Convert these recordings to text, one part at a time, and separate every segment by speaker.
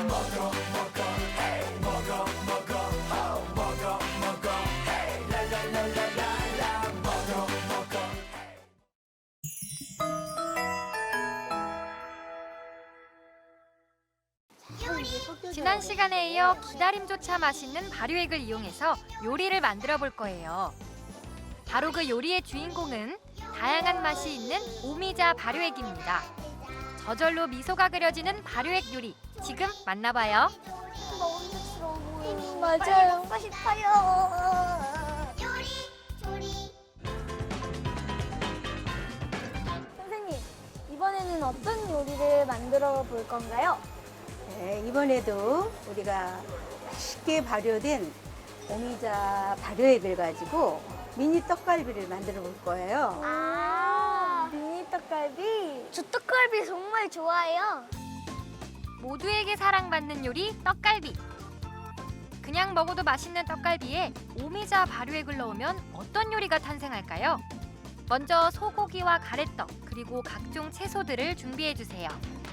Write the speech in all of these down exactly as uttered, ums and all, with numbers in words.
Speaker 1: 먹어 먹어 헤이 먹어 먹어 호 먹어 먹어 헤이 랄랄랄랄랄라 먹어 먹어
Speaker 2: 지난 시간에 이어 기다림조차 맛있는 발효액을 이용해서 요리를 만들어 볼 거예요. 바로 그 요리의 주인공은 다양한 맛이 있는 오미자 발효액입니다. 저절로 미소가 그려지는 발효액 요리, 지금 만나봐요.
Speaker 3: 먹음직스러워 보여요.
Speaker 4: 맞아요.
Speaker 3: 먹고 싶어요. 요리, 조리.
Speaker 4: 선생님, 이번에는 어떤 요리를 만들어 볼 건가요?
Speaker 5: 네, 이번에도 우리가 맛있게 발효된 오미자 발효액을 가지고 미니 떡갈비를 만들어 볼 거예요.
Speaker 3: 아,
Speaker 4: 미니 떡갈비.
Speaker 3: 저 떡갈비 정말 좋아해요.
Speaker 2: 모두에게 사랑받는 요리 떡갈비. 그냥 먹어도 맛있는 떡갈비에 오미자 발효액을 넣으면 어떤 요리가 탄생할까요? 먼저 소고기와 가래떡 그리고 각종 채소들을 준비해 주세요.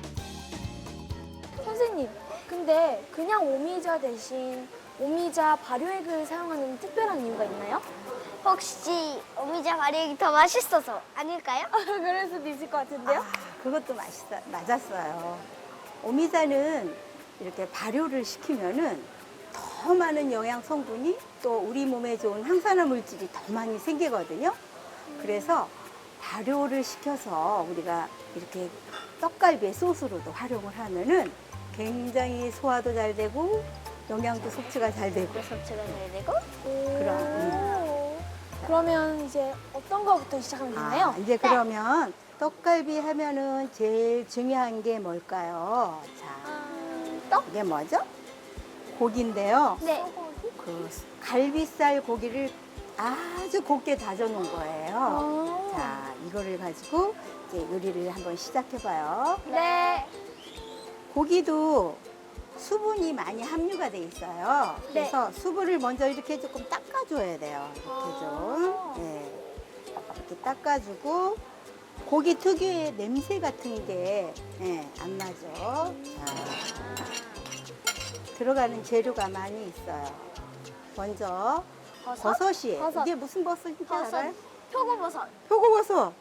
Speaker 4: 선생님, 근데 그냥 오미자 대신 오미자 발효액을 사용하는 특별한 이유가 있나요?
Speaker 3: 혹시 오미자 발효액이 더 맛있어서 아닐까요?
Speaker 4: 그럴 수도 있을 것 같은데요?
Speaker 5: 아, 그것도 맛있어, 맞았어요. 오미자는 이렇게 발효를 시키면은 더 많은 영양 성분이 또 우리 몸에 좋은 항산화 물질이 더 많이 생기거든요. 그래서 발효를 시켜서 우리가 이렇게 떡갈비의 소스로도 활용을 하면은 굉장히 소화도 잘 되고 영양도 섭취가 잘 되고
Speaker 3: 섭취가 잘 되고.
Speaker 5: 그럼 음.
Speaker 4: 오. 그러면 이제 어떤 거부터 시작하면 되나요?
Speaker 5: 아, 이제 그러면 떡갈비 하면은 제일 중요한 게 뭘까요? 자, 떡 이게 뭐죠? 고기인데요.
Speaker 3: 네.
Speaker 5: 그 갈비살 고기를 아주 곱게 다져 놓은 거예요.
Speaker 4: 아.
Speaker 5: 자, 이거를 가지고 이제 요리를 한번 시작해봐요.
Speaker 4: 네.
Speaker 5: 고기도 수분이 많이 함유가 돼 있어요.
Speaker 4: 네.
Speaker 5: 그래서 수분을 먼저 이렇게 조금 닦아줘야 돼요. 이렇게 좀.
Speaker 4: 아.
Speaker 5: 네. 이렇게 닦아주고 고기 특유의 냄새 같은 게 예, 안 나죠. 자, 들어가는 재료가 많이 있어요. 먼저
Speaker 3: 버섯?
Speaker 5: 버섯이에요.
Speaker 4: 버섯.
Speaker 5: 이게 무슨 버섯인지
Speaker 3: 버섯.
Speaker 5: 알아요?
Speaker 3: 표고버섯.
Speaker 5: 표고버섯.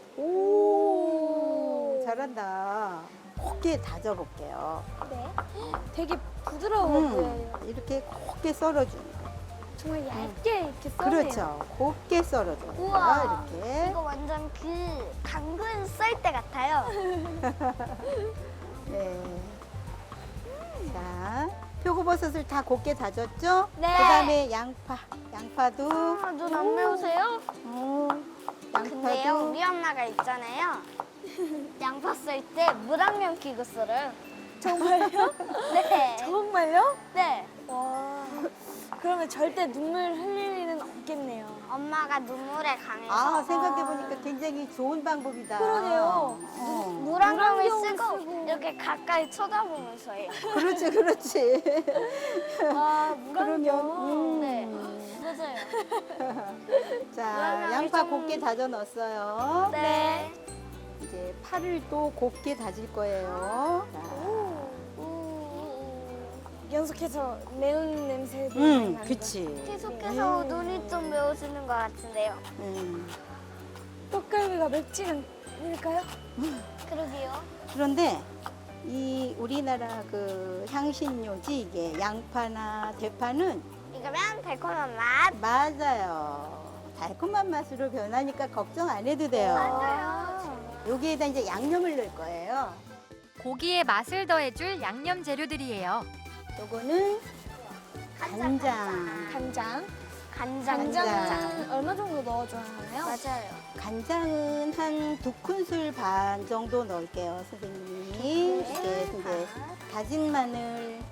Speaker 4: 오.
Speaker 5: 잘한다. 곱게 다져볼게요.
Speaker 4: 네. 되게 부드러워
Speaker 5: 음,
Speaker 4: 보여요.
Speaker 5: 이렇게 곱게 썰어주는 거.
Speaker 4: 정말 얇게 이렇게 써네요.
Speaker 5: 그렇죠. 곱게 썰어주는 거.
Speaker 3: 우와.
Speaker 5: 이렇게.
Speaker 3: 이거 완전 그 당근 썰 때 같아요.
Speaker 5: 네. 자, 표고버섯을 다 곱게 다졌죠?
Speaker 3: 네.
Speaker 5: 그다음에 양파. 양파도.
Speaker 3: 아, 눈 안 매우세요?
Speaker 5: 어,
Speaker 3: 근데요,
Speaker 5: 양파도.
Speaker 3: 우리 엄마가 있잖아요. 양파 썰 때 물안경 끼고 썰어요.
Speaker 4: 정말요?
Speaker 3: 네.
Speaker 4: 정말요?
Speaker 3: 네.
Speaker 4: 와. 그러면 절대 눈물 흘릴 일은 없겠네요.
Speaker 3: 엄마가 눈물에 강해서
Speaker 5: 아, 생각해보니까 굉장히 좋은 방법이다.
Speaker 4: 그러네요.
Speaker 5: 어.
Speaker 3: 물안경을
Speaker 4: 물안경을
Speaker 3: 쓰고,
Speaker 4: 쓰고.
Speaker 3: 이렇게 가까이 쳐다보면서 해요.
Speaker 5: 그렇지, 그렇지.
Speaker 4: 아,
Speaker 5: 그러면,
Speaker 4: 물안경.
Speaker 5: 음.
Speaker 3: 네. 맞아요.
Speaker 5: 자,
Speaker 3: 물안경을
Speaker 5: 양파
Speaker 3: 좀-
Speaker 5: 곱게 다져 넣었어요.
Speaker 3: 네.
Speaker 5: 이제 파를 또 곱게 다질 거예요. 자,
Speaker 4: 연속해서 매운 냄새도 많이
Speaker 5: 음,
Speaker 4: 나는
Speaker 5: 그치.
Speaker 3: 계속해서 눈이 좀 매워지는 것 같은데요.
Speaker 5: 음.
Speaker 4: 거. 떡갈비가 맵지는 않을까요?
Speaker 3: 그러게요.
Speaker 5: 그런데 이 우리나라 그 향신료지 이게 양파나 대파는
Speaker 3: 이거면 달콤한 맛.
Speaker 5: 맞아요. 달콤한 맛으로 변하니까 걱정 안 해도 돼요.
Speaker 3: 맞아요.
Speaker 5: 여기에다 이제 양념을 넣을 거예요.
Speaker 2: 고기의 맛을 더해줄 양념 재료들이에요.
Speaker 5: 요거는 간장.
Speaker 4: 간장.
Speaker 3: 간장.
Speaker 4: 간장은 얼마 정도 넣어줘야 하나요?
Speaker 3: 맞아요.
Speaker 5: 간장은 한 두 큰술 반 정도 넣을게요, 선생님이.
Speaker 3: 네.
Speaker 5: 이렇게 이제 다진 마늘.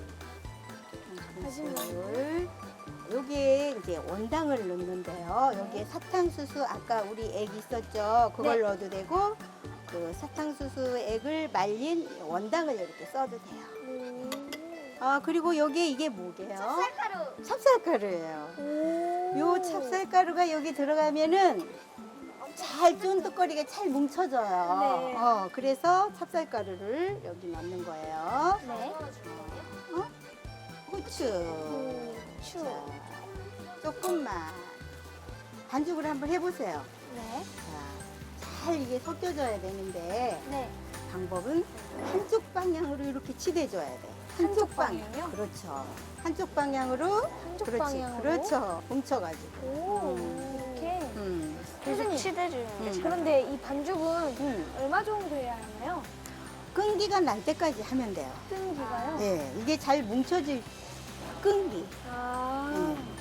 Speaker 5: 한
Speaker 4: 다진
Speaker 5: 큰술. 여기에 이제 원당을 넣는데요. 여기에 사탕수수 아까 우리 액 있었죠? 그걸
Speaker 4: 네.
Speaker 5: 넣어도 되고 그 사탕수수 액을 말린 원당을 이렇게 써도 돼요.
Speaker 4: 음.
Speaker 5: 아 그리고 여기에 이게 뭐게요?
Speaker 3: 쌀가루.
Speaker 5: 찹쌀가루예요.
Speaker 4: 오.
Speaker 5: 요 찹쌀가루가 여기 들어가면은 잘 쫀득거리게 잘 뭉쳐져요.
Speaker 4: 네.
Speaker 5: 어, 그래서 찹쌀가루를 여기 넣는 거예요.
Speaker 4: 네.
Speaker 5: 어? 후추.
Speaker 4: 추.
Speaker 5: 자, 조금만. 반죽을 한번 해보세요.
Speaker 4: 네.
Speaker 5: 자, 잘 이게 섞여져야 되는데
Speaker 4: 네.
Speaker 5: 방법은 한쪽 방향으로 이렇게 치대줘야 돼.
Speaker 4: 한쪽 방향이요?
Speaker 5: 그렇죠. 한쪽 방향으로.
Speaker 4: 한쪽
Speaker 5: 그렇지.
Speaker 4: 방향으로?
Speaker 5: 그렇죠. 뭉쳐가지고.
Speaker 4: 오,
Speaker 5: 음.
Speaker 4: 이렇게.
Speaker 5: 음.
Speaker 3: 계속 치대주는 게
Speaker 5: 음.
Speaker 3: 잘.
Speaker 4: 그런데 이 반죽은
Speaker 5: 음.
Speaker 4: 얼마 정도 해야 하나요?
Speaker 5: 끈기가 날 때까지 하면 돼요.
Speaker 4: 끈기가요?
Speaker 5: 예, 이게 잘 뭉쳐질 끈기.
Speaker 4: 아.
Speaker 5: 음.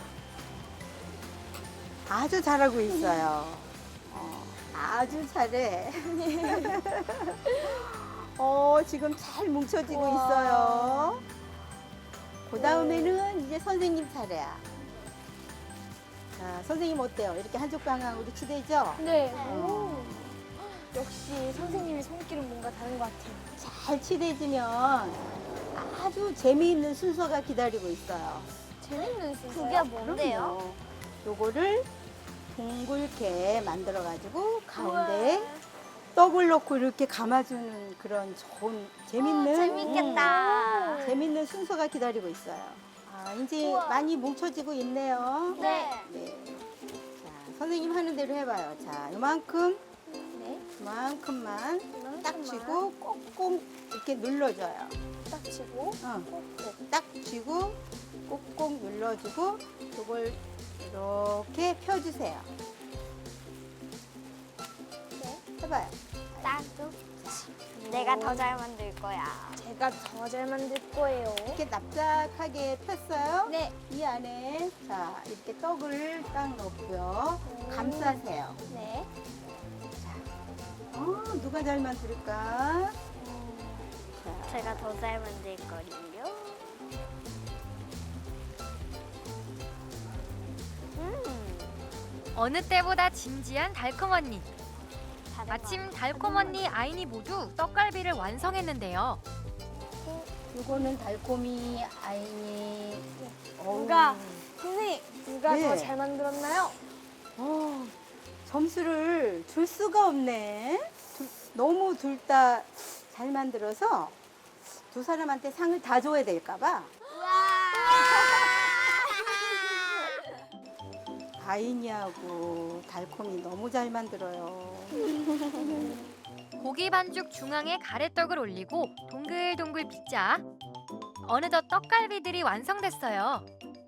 Speaker 5: 아주 잘하고 있어요. 어, 아주 잘해. 어, 지금 잘 뭉쳐지고
Speaker 4: 우와.
Speaker 5: 있어요. 그 다음에는 이제 선생님 차례야. 자, 선생님 어때요? 이렇게 한쪽 방향으로 치대죠?
Speaker 4: 네. 오. 역시 선생님의 손길은 뭔가 다른 것 같아요.
Speaker 5: 잘 치대지면 아주 재미있는 순서가 기다리고 있어요.
Speaker 4: 재밌는 순서.
Speaker 3: 그게 뭔데요?
Speaker 5: 그럼요. 요거를 둥글게 만들어가지고 가운데에 떡을 넣고 이렇게 감아주는 그런 좋은 재밌는
Speaker 3: 어, 재밌겠다.
Speaker 5: 음, 재밌는 순서가 기다리고 있어요. 아, 이제 많이 뭉쳐지고 있네요.
Speaker 3: 네.
Speaker 5: 네. 자, 선생님 하는 대로 해봐요. 자, 요만큼,
Speaker 4: 네.
Speaker 5: 요만큼만 딱
Speaker 4: 이만큼만
Speaker 5: 쥐고 꼭꼭 이렇게 눌러줘요.
Speaker 4: 딱 치고
Speaker 5: 어.
Speaker 4: 꼭꼭.
Speaker 5: 딱 쥐고 꼭꼭 눌러주고 이걸 이렇게 펴주세요.
Speaker 4: 네.
Speaker 5: 해봐요.
Speaker 3: 나도. 내가 더 잘 만들 거야.
Speaker 4: 제가 더 잘 만들 거예요.
Speaker 5: 이렇게 납작하게 폈어요.
Speaker 4: 네.
Speaker 5: 이 안에 자 이렇게 떡을 딱 넣고요. 감싸세요.
Speaker 4: 네.
Speaker 5: 어, 누가 잘 만들까? 자,
Speaker 3: 제가 더 잘 만들 거예요. 음.
Speaker 2: 어느 때보다 진지한 달콤 언니.
Speaker 3: 다른
Speaker 2: 마침
Speaker 3: 거.
Speaker 2: 달콤 언니, 아인이 모두 떡갈비를 완성했는데요.
Speaker 5: 이거는 달콤이 아이니.
Speaker 4: 누가 선생님 누가
Speaker 5: 네.
Speaker 4: 더 잘 만들었나요?
Speaker 5: 어, 점수를 줄 수가 없네. 둘- 너무 둘 다 잘 만들어서 두 사람한테 상을 다 줘야 될까봐. 아이니하고 달콤이 너무 잘 만들어요.
Speaker 2: 고기 반죽 중앙에 가래떡을 올리고 동글동글 빚자. 어느덧 떡갈비들이 완성됐어요.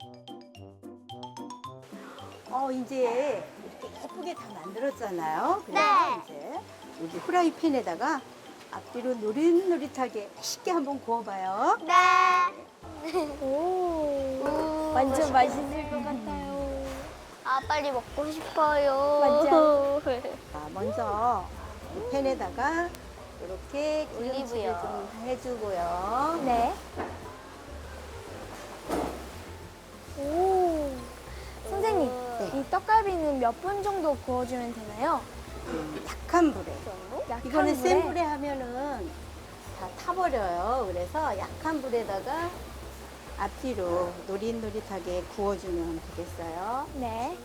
Speaker 5: 어, 이제 이렇게 예쁘게 다 만들었잖아요. 그래서
Speaker 3: 네.
Speaker 5: 이제 여기 후라이팬에다가 앞뒤로 노릇노릇하게 맛있게 한번 구워봐요.
Speaker 3: 네.
Speaker 4: 오. 완전 맛있을 것 같아요.
Speaker 3: 아, 빨리 먹고 싶어요.
Speaker 4: 맞죠?
Speaker 5: 자, 먼저 이 팬에다가 이렇게 기름칠을
Speaker 3: 올리브요.
Speaker 5: 좀 해주고요.
Speaker 4: 네. 오. 선생님,
Speaker 5: 네.
Speaker 4: 이 떡갈비는 몇 분 정도 구워주면 되나요?
Speaker 5: 약한 불에.
Speaker 4: 약한
Speaker 5: 이거는
Speaker 4: 불에?
Speaker 5: 센 불에 하면은 다 타버려요. 그래서 약한 불에다가 앞뒤로 노릇노릇하게 구워주면 되겠어요.
Speaker 4: 네.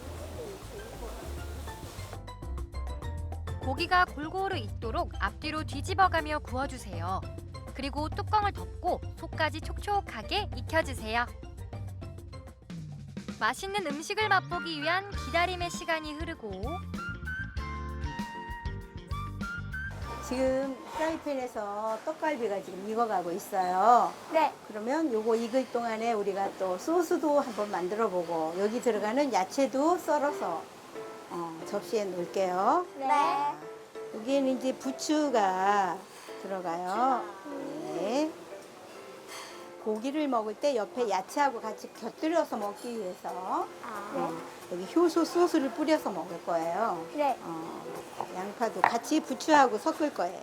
Speaker 2: 고기가 골고루 익도록 앞뒤로 뒤집어가며 구워주세요. 그리고 뚜껑을 덮고 속까지 촉촉하게 익혀주세요. 맛있는 음식을 맛보기 위한 기다림의 시간이 흐르고
Speaker 5: 지금 프라이팬에서 떡갈비가 지금 익어가고 있어요.
Speaker 4: 네.
Speaker 5: 그러면 요거 익을 동안에 우리가 또 소스도 한번 만들어 보고 여기 들어가는 야채도 썰어서 어, 접시에 놓을게요.
Speaker 3: 네.
Speaker 5: 여기에는 이제 부추가 들어가요. 네. 고기를 먹을 때 옆에 야채하고 같이 곁들여서 먹기 위해서
Speaker 3: 아.
Speaker 5: 어, 여기 효소 소스를 뿌려서 먹을 거예요.
Speaker 4: 네.
Speaker 5: 어, 양파도 같이 부추하고 섞을 거예요.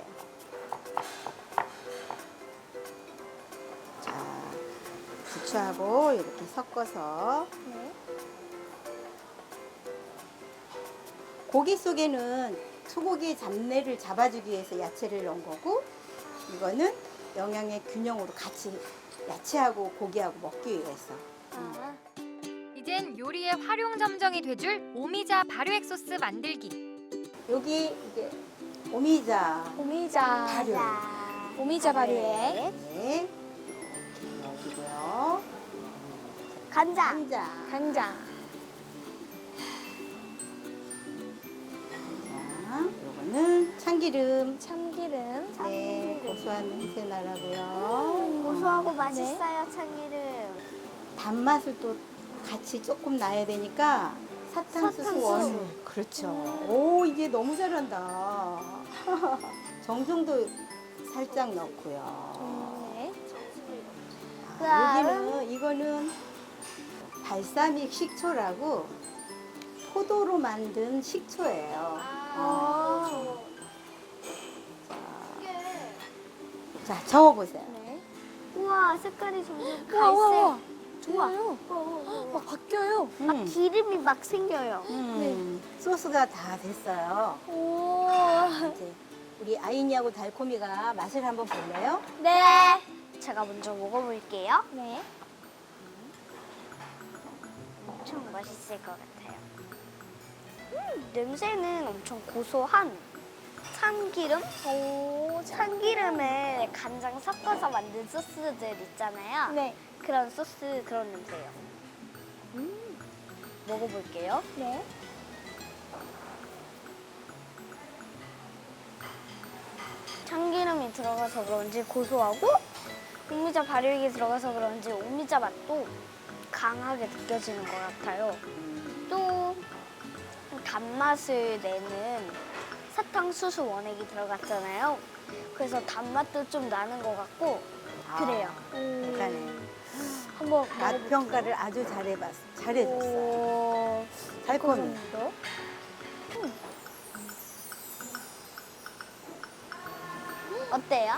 Speaker 5: 자, 부추하고 이렇게 섞어서
Speaker 4: 네.
Speaker 5: 고기 속에는 소고기의 잡내를 잡아주기 위해서 야채를 넣은 거고 이거는 영양의 균형으로 같이 야채하고 고기하고 먹기 위해서.
Speaker 4: 아.
Speaker 2: 이젠 요리의 활용 점정이 돼줄 오미자 발효액 소스 만들기.
Speaker 5: 여기 이게 오미자
Speaker 4: 오미자
Speaker 5: 발효.
Speaker 4: 오미자 발효액
Speaker 5: 네. 여기고요.
Speaker 3: 간장.
Speaker 5: 간장.
Speaker 4: 간장
Speaker 5: 자, 요거는 참기름.
Speaker 4: 참기름
Speaker 5: 네, 고소한 냄새 나라고요.
Speaker 3: 고소하고 맛있어요, 참기름.
Speaker 5: 단맛을 또 같이 조금 나야 되니까 사탕수수
Speaker 3: 사탕수수.
Speaker 5: 원. 그렇죠. 오, 이게 너무 잘한다. 정종도 살짝 넣고요.
Speaker 4: 네.
Speaker 5: 아, 여기는 이거는 발사믹 식초라고 포도로 만든 식초예요.
Speaker 4: 아.
Speaker 5: 자, 저어보세요.
Speaker 4: 네.
Speaker 3: 우와, 색깔이 점점
Speaker 4: 우와 우와 우와
Speaker 3: 갈색.
Speaker 4: 정말요? 막 바뀌어요
Speaker 5: 음,
Speaker 3: 기름이 막 생겨요.
Speaker 5: 음, 소스가 다 됐어요.
Speaker 4: 오.
Speaker 5: 이제 우리 아이니하고 달콤이가 맛을 한번 볼래요?
Speaker 3: 네. 제가 먼저 먹어볼게요.
Speaker 4: 네.
Speaker 3: 엄청 맛있을 것 같아요. 음, 냄새는 엄청 고소한 참기름?
Speaker 4: 오,
Speaker 3: 참기름에 간장 섞어서 만든 소스들 있잖아요.
Speaker 4: 네.
Speaker 3: 그런 소스 그런 냄새예요. 음, 먹어볼게요.
Speaker 4: 네.
Speaker 3: 참기름이 들어가서 그런지 고소하고 오미자 발효액이 들어가서 그런지 오미자 맛도 강하게 느껴지는 것 같아요. 또 단맛을 내는 사탕수수 원액이 들어갔잖아요. 그래서 단맛도 좀 나는 것 같고 그래요.
Speaker 5: 약간의
Speaker 4: 한번
Speaker 5: 맛 평가를 아주 잘해봤, 잘해줬어요.
Speaker 4: 오.
Speaker 5: 달콤이.
Speaker 4: 고소한데요?
Speaker 3: 어때요?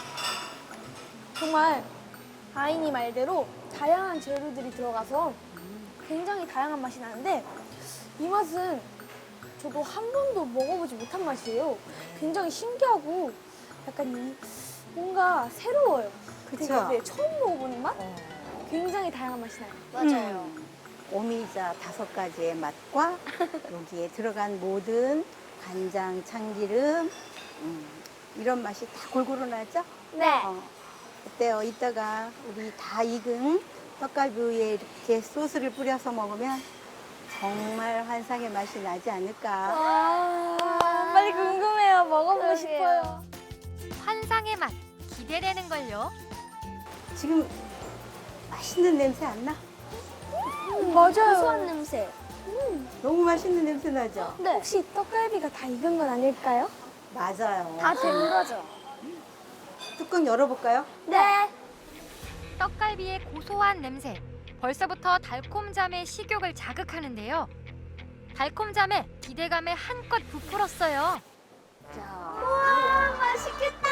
Speaker 4: 정말 아이니 말대로 다양한 재료들이 들어가서 굉장히 다양한 맛이 나는데 이 맛은 저도 한 번도 먹어보지 못한 맛이에요. 굉장히 신기하고 약간 이 뭔가 새로워요.
Speaker 5: 그쵸?
Speaker 4: 되게, 네, 처음 먹어보는 맛? 굉장히 다양한 맛이 나요.
Speaker 3: 맞아요.
Speaker 5: 음, 오미자 다섯 가지의 맛과 여기에 들어간 모든 간장, 참기름 음, 이런 맛이 다 골고루 나죠?
Speaker 3: 네.
Speaker 5: 어, 어때요? 이따가 우리 다 익은 떡갈비 위에 이렇게 소스를 뿌려서 먹으면 정말 환상의 맛이 나지 않을까?
Speaker 4: 아, 빨리 궁금해요. 먹어보고
Speaker 3: 그러게요.
Speaker 4: 싶어요.
Speaker 2: 환상의 맛 기대되는걸요.
Speaker 5: 지금 맛있는 냄새 안 나?
Speaker 4: 음, 맞아요.
Speaker 3: 고소한 냄새.
Speaker 5: 너무 맛있는 냄새 나죠?
Speaker 3: 네.
Speaker 4: 혹시 떡갈비가 다 익은 건 아닐까요?
Speaker 5: 맞아요.
Speaker 3: 다 된 거죠?
Speaker 5: 뚜껑 열어볼까요?
Speaker 3: 네.
Speaker 2: 떡갈비의 고소한 냄새. 벌써부터 달콤잠의 식욕을 자극하는데요. 달콤잠에 기대감에 한껏 부풀었어요.
Speaker 5: 자,
Speaker 3: 우와, 맛있겠다.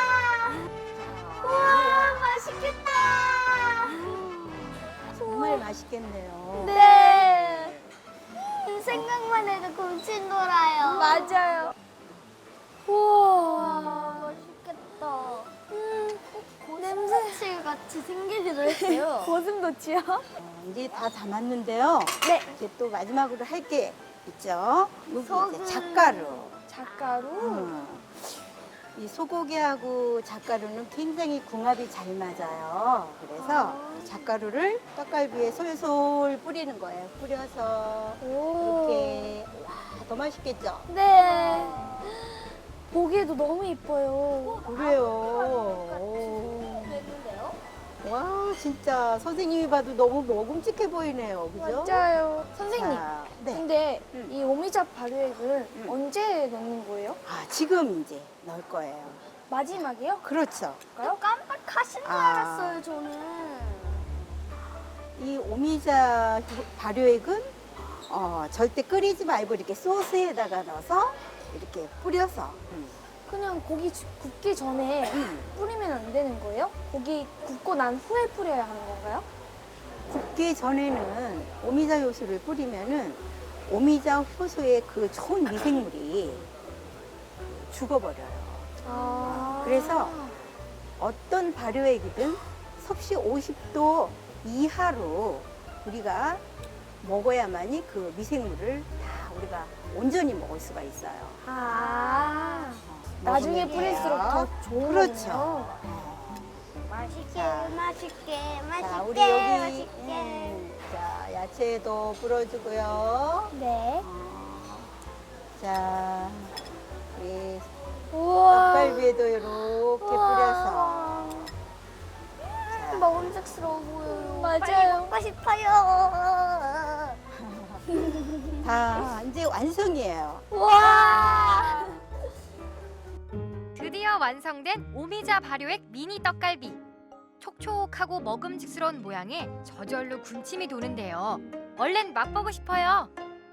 Speaker 3: 우와, 맛있겠다.
Speaker 5: 정말 맛있겠네요.
Speaker 3: 네. 음, 생각만 해도 군침 돌아요.
Speaker 4: 맞아요.
Speaker 3: 우와,
Speaker 4: 우와.
Speaker 3: 맛있겠다.
Speaker 4: 음,
Speaker 3: 냄새 같이 생기기도 했어요.
Speaker 4: 고슴도치요?
Speaker 5: 어, 이제 다 담았는데요.
Speaker 4: 네.
Speaker 5: 이제 또 마지막으로 할 게 있죠. 여기
Speaker 3: 소금.
Speaker 5: 이제 잣가루.
Speaker 4: 잣가루.
Speaker 5: 음. 이 소고기하고 잣가루는 굉장히 궁합이 잘 맞아요. 그래서 잣가루를 떡갈비에 솔솔 뿌리는 거예요. 뿌려서
Speaker 4: 오.
Speaker 5: 이렇게 와, 더 맛있겠죠?
Speaker 4: 네. 보기에도 너무 이뻐요.
Speaker 5: 그래요. 오.
Speaker 3: 됐는데요?
Speaker 5: 와, 진짜 선생님이 봐도 너무 먹음직해 보이네요. 그죠?
Speaker 4: 맞아요. 선생님,
Speaker 5: 자, 네.
Speaker 4: 근데
Speaker 5: 음.
Speaker 4: 이 오미자 발효액은
Speaker 5: 음.
Speaker 4: 언제 넣는 거예요?
Speaker 5: 아, 지금 이제 넣을 거예요.
Speaker 4: 마지막이요?
Speaker 5: 그렇죠.
Speaker 3: 좀 깜빡하신 줄
Speaker 5: 아.
Speaker 3: 알았어요, 저는.
Speaker 5: 이 오미자 발효액은 어, 절대 끓이지 말고 이렇게 소스에다가 넣어서 이렇게 뿌려서 음.
Speaker 4: 그냥 고기 주- 굽기 전에
Speaker 5: 음.
Speaker 4: 뿌리면 안 되는 거예요? 고기 굽고 난 후에 뿌려야 하는 건가요?
Speaker 5: 굽기 전에는 오미자 효소를 뿌리면은 오미자 효소의 그 좋은 미생물이 죽어버려요.
Speaker 4: 아.
Speaker 5: 그래서 어떤 발효액이든 섭씨 오십 도 이하로 우리가 먹어야만이 그 미생물을 다 우리가 온전히 먹을 수가 있어요.
Speaker 4: 아, 나중에
Speaker 5: 먹으면
Speaker 4: 뿌릴수록
Speaker 5: 돼요.
Speaker 4: 더 좋은
Speaker 5: 그렇죠.
Speaker 4: 거네요.
Speaker 3: 맛있게,
Speaker 5: 자.
Speaker 3: 맛있게, 맛있게,
Speaker 5: 자, 우리 여기
Speaker 3: 맛있게.
Speaker 5: 음, 자, 야채도 불어주고요.
Speaker 3: 네.
Speaker 5: 어, 자, 우리
Speaker 4: 우와.
Speaker 5: 떡갈비에도 이렇게 뿌려서. 자,
Speaker 3: 먹음직스러워 보여요.
Speaker 4: 맞아요.
Speaker 3: 빨리 먹고 싶어요.
Speaker 5: 다 이제 완성이에요.
Speaker 4: 와.
Speaker 2: 드디어 완성된 오미자 발효액 미니 떡갈비. 촉촉하고 먹음직스러운 모양에 저절로 군침이 도는데요. 얼른 맛보고 싶어요.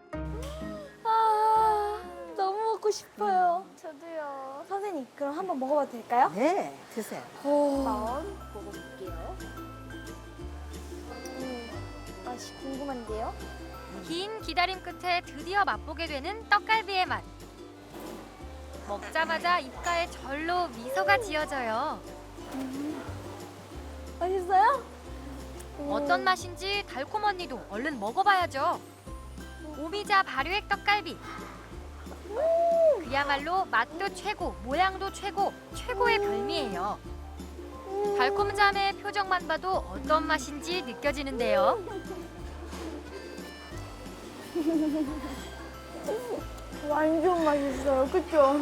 Speaker 4: 아, 너무 먹고 싶어요.
Speaker 3: 저도요.
Speaker 4: 선생님, 그럼 한번 먹어봐도 될까요?
Speaker 5: 네, 드세요.
Speaker 4: 오.
Speaker 3: 한번 먹어볼게요.
Speaker 4: 음, 맛이 궁금한데요?
Speaker 2: 긴 기다림 끝에 드디어 맛보게 되는 떡갈비의 맛. 먹자마자 입가에 절로 미소가 지어져요.
Speaker 4: 맛있어요?
Speaker 2: 어떤 맛인지 달콤 언니도 얼른 먹어봐야죠. 오미자 발효액 떡갈비. 그야말로 맛도 최고, 모양도 최고, 최고의 별미예요. 달콤 자매의 표정만 봐도 어떤 맛인지 느껴지는데요.
Speaker 4: 완전 맛있어요. 그쵸?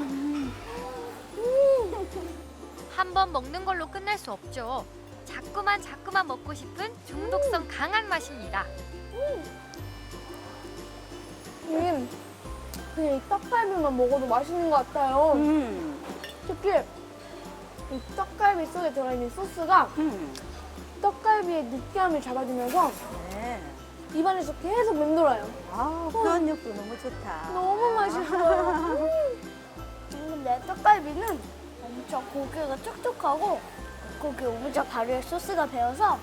Speaker 2: 한 번 먹는 걸로 끝날 수 없죠. 자꾸만 자꾸만 먹고 싶은 중독성 강한 맛입니다.
Speaker 4: 음, 그냥 이 떡갈비만 먹어도 맛있는 것 같아요.
Speaker 5: 음,
Speaker 4: 특히 이 떡갈비 속에 들어있는 소스가
Speaker 5: 음,
Speaker 4: 떡갈비의 느끼함을 잡아주면서
Speaker 5: 네.
Speaker 4: 입안에서 계속 맴돌아요.
Speaker 5: 아, 표현력도 너무 좋다.
Speaker 4: 너무 맛있어요.
Speaker 3: 근데 떡갈비는 엄청 고기가 촉촉하고 고기 오미자 발효액 소스가 배어서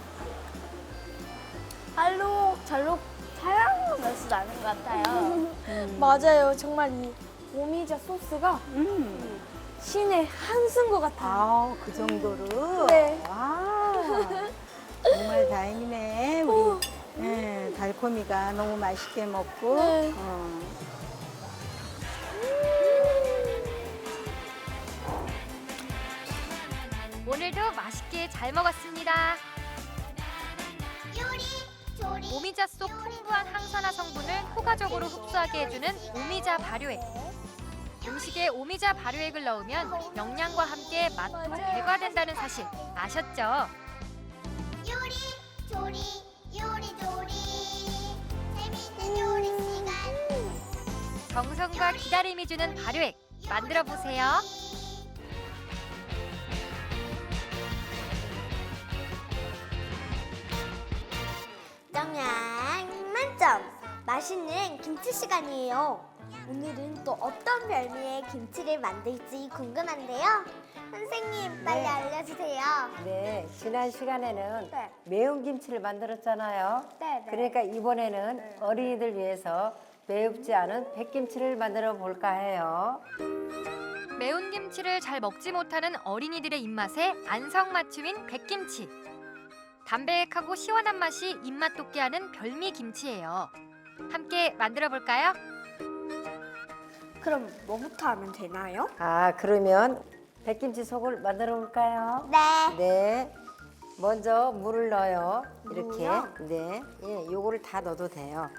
Speaker 3: 알록달록 다양한 맛이 나는 것 같아요.
Speaker 5: 음.
Speaker 4: 맞아요. 정말 이 오미자 소스가
Speaker 5: 음.
Speaker 4: 신의 한수인 것 같아요.
Speaker 5: 아, 그 정도로?
Speaker 4: 네.
Speaker 5: 와, 정말 다행이네. 우리 네, 달콤이가 너무 맛있게 먹고.
Speaker 4: 네.
Speaker 5: 어.
Speaker 2: 오늘도 맛있게 잘 먹었습니다. 오미자 속 풍부한 항산화 성분을 효과적으로 흡수하게 해주는 오미자 발효액. 음식에 오미자 발효액을 넣으면 영양과 함께 맛도 배가된다는 사실 아셨죠?
Speaker 6: 요리 조리 요리 조리 재밌는 요리 시간
Speaker 2: 정성과 기다림이 주는 발효액 만들어 보세요.
Speaker 6: 영양 만점 맛있는 김치 시간이에요. 오늘은 또 어떤 별미의 김치를 만들지 궁금한데요. 선생님 빨리
Speaker 7: 네.
Speaker 6: 알려주세요.
Speaker 7: 네, 지난 시간에는
Speaker 6: 네.
Speaker 7: 매운 김치를 만들었잖아요.
Speaker 6: 네, 네.
Speaker 7: 그러니까 이번에는 어린이들 위해서 매웁지 않은 백김치를 만들어 볼까 해요.
Speaker 2: 매운 김치를 잘 먹지 못하는 어린이들의 입맛에 안성맞춤인 백김치. 담백하고 시원한 맛이 입맛 돋게 하는 별미 김치예요. 함께 만들어 볼까요?
Speaker 3: 그럼 뭐부터 하면 되나요?
Speaker 7: 아, 그러면 백김치 속을 만들어 볼까요?
Speaker 6: 네.
Speaker 7: 네. 먼저 물을 넣어요. 이렇게.
Speaker 6: 물이요?
Speaker 7: 네. 예, 요거를 다 넣어도 돼요.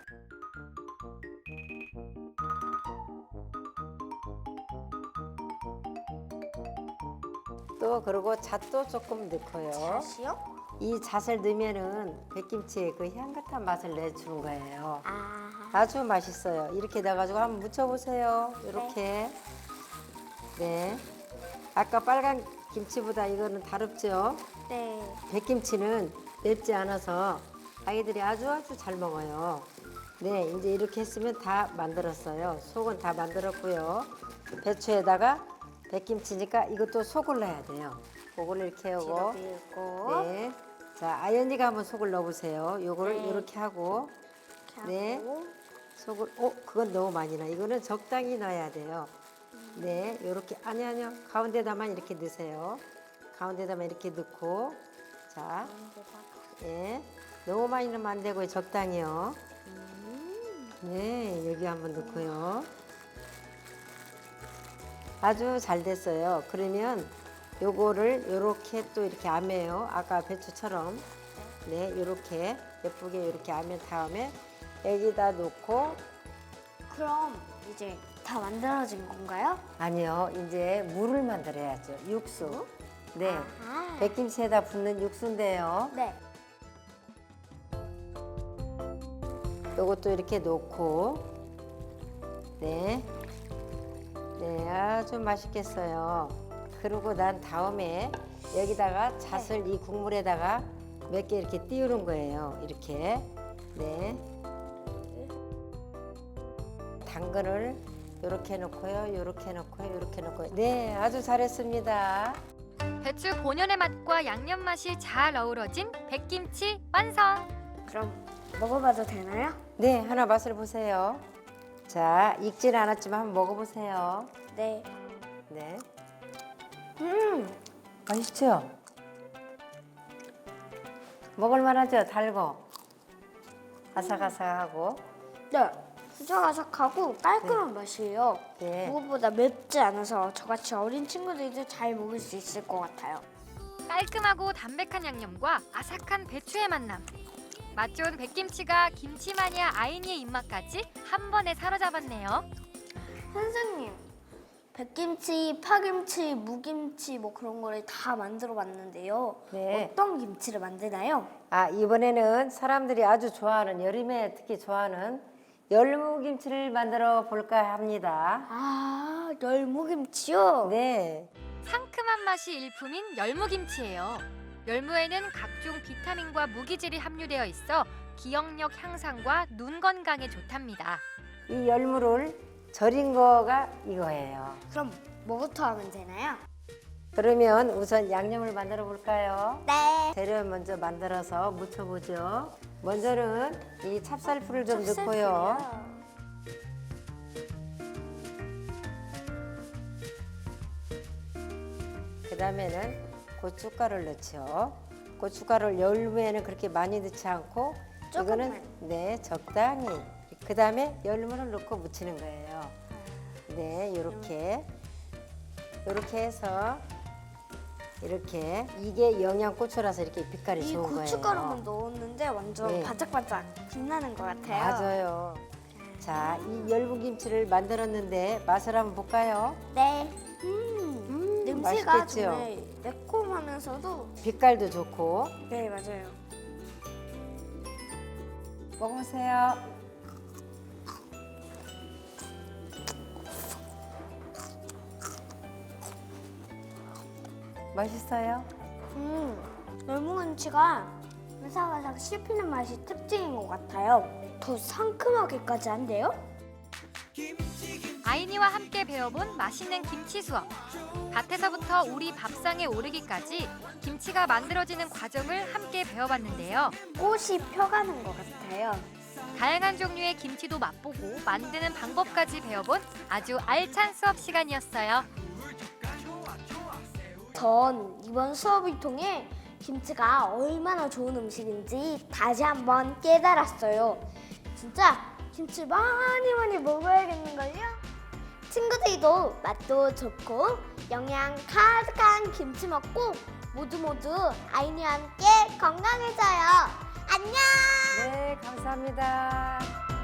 Speaker 7: 또 그리고 잣도 조금 넣고요.
Speaker 6: 다시요?
Speaker 7: 이 잣을 넣으면은 백김치의 그 향긋한 맛을 내주는 거예요.
Speaker 6: 아.
Speaker 7: 아주 맛있어요. 이렇게 넣어가지고 한번 무쳐보세요. 이렇게. 네. 아까 빨간 김치보다 이거는 다릅죠?
Speaker 6: 네.
Speaker 7: 백김치는 맵지 않아서 아이들이 아주 아주 잘 먹어요. 네, 이제 이렇게 했으면 다 만들었어요. 속은 다 만들었고요. 배추에다가 백김치니까 이것도 속을 넣어야 돼요. 그걸 이렇게 하고.
Speaker 6: 밀고
Speaker 7: 네. 자, 아연이가 한번 속을 넣어보세요. 요거를
Speaker 6: 네.
Speaker 7: 이렇게 하고. 네.
Speaker 6: 하고
Speaker 7: 속을, 어, 그건 너무 많이 나. 이거는 적당히 넣어야 돼요. 네, 요렇게, 아니, 아니요. 가운데다만 이렇게 넣으세요. 가운데다만 이렇게 넣고. 자, 예. 너무 많이 넣으면 안 되고요. 적당히요. 네, 여기 한번 넣고요. 아주 잘 됐어요. 그러면 요거를 요렇게 또 이렇게 아매요. 아까 배추처럼. 네, 요렇게 예쁘게 이렇게 아맨 다음에 여기다 놓고
Speaker 3: 그럼 이제 다 만들어진 건가요?
Speaker 7: 아니요, 이제 물을 만들어야죠. 육수. 네,
Speaker 3: 아,
Speaker 7: 백김치에다 붓는 육수인데요.
Speaker 3: 네.
Speaker 7: 요것도 이렇게 놓고 네, 네 아주 맛있겠어요. 그러고 난 다음에 여기다가 잣을 이 국물에다가 몇 개 이렇게 띄우는 거예요. 이렇게 네, 당근을 요렇게 넣고요, 요렇게 넣고요, 요렇게 넣고요. 네, 아주 잘했습니다.
Speaker 2: 배추 본연의 맛과 양념 맛이 잘 어우러진 백김치 완성.
Speaker 3: 그럼 먹어봐도 되나요?
Speaker 7: 네, 하나 맛을 보세요. 자, 익지는 않았지만 한번 먹어보세요.
Speaker 3: 네.
Speaker 7: 네.
Speaker 3: 음,
Speaker 7: 맛있죠? 먹을만하죠? 달고 아삭아삭하고.
Speaker 3: 네. 아삭아삭하고 깔끔한 맛이에요.
Speaker 7: 네.
Speaker 3: 무엇보다 맵지 않아서 저같이 어린 친구들도 잘 먹을 수 있을 것 같아요.
Speaker 2: 깔끔하고 담백한 양념과 아삭한 배추의 만남. 맛 좋은 백김치가 김치 마니아 아이니의 입맛까지 한 번에 사로잡았네요.
Speaker 3: 선생님, 백김치, 파김치, 무김치 뭐 그런 거를 다 만들어 봤는데요.
Speaker 7: 네.
Speaker 3: 어떤 김치를 만드나요?
Speaker 7: 아, 이번에는 사람들이 아주 좋아하는, 여름에 특히 좋아하는 열무김치를 만들어 볼까 합니다.
Speaker 3: 아, 열무김치요?
Speaker 7: 네.
Speaker 2: 상큼한 맛이 일품인 열무김치예요. 열무에는 각종 비타민과 무기질이 함유되어 있어 기억력 향상과 눈 건강에 좋답니다.
Speaker 7: 이 열무를 절인 거가 이거예요.
Speaker 3: 그럼 뭐부터 하면 되나요?
Speaker 7: 그러면 우선 양념을 만들어 볼까요?
Speaker 6: 네.
Speaker 7: 재료 먼저 만들어서 무쳐보죠. 먼저는 이 찹쌀풀을 좀 넣고요. 그 다음에는 고춧가루를 넣죠. 고춧가루를 열무에는 그렇게 많이 넣지 않고 이거는 네 적당히. 그 다음에 열무를 넣고 무치는 거예요. 네, 이렇게 이렇게 해서 이렇게 이게 영양고추라서 이렇게 빛깔이
Speaker 3: 이
Speaker 7: 좋은 거예요.
Speaker 3: 고춧가루만 넣었는데 완전
Speaker 7: 네.
Speaker 3: 반짝반짝 빛나는 것 같아요.
Speaker 7: 맞아요. 자, 이 열무김치를 만들었는데 맛을 한번 볼까요?
Speaker 6: 네.
Speaker 3: 음, 냄새가
Speaker 7: 맛있겠죠?
Speaker 3: 정말 매콤하면서도
Speaker 7: 빛깔도 좋고.
Speaker 3: 네 맞아요.
Speaker 7: 먹으세요. 맛있어요?
Speaker 3: 음, 열무김치가 바삭바삭 씹히는 맛이 특징인 것 같아요. 더 상큼하게까지 한데요?
Speaker 2: 아이니와 함께 배워본 맛있는 김치 수업. 밭에서부터 우리 밥상에 오르기까지 김치가 만들어지는 과정을 함께 배워봤는데요.
Speaker 3: 꽃이 펴가는 것 같아요.
Speaker 2: 다양한 종류의 김치도 맛보고 만드는 방법까지 배워본 아주 알찬 수업 시간이었어요.
Speaker 3: 전 이번 수업을 통해 김치가 얼마나 좋은 음식인지 다시 한번 깨달았어요. 진짜 김치 많이 많이 먹어야겠는걸요?
Speaker 6: 친구들도 맛도 좋고 영양 가득한 김치 먹고 모두 모두 아이니와 함께 건강해져요. 안녕!
Speaker 7: 네, 감사합니다.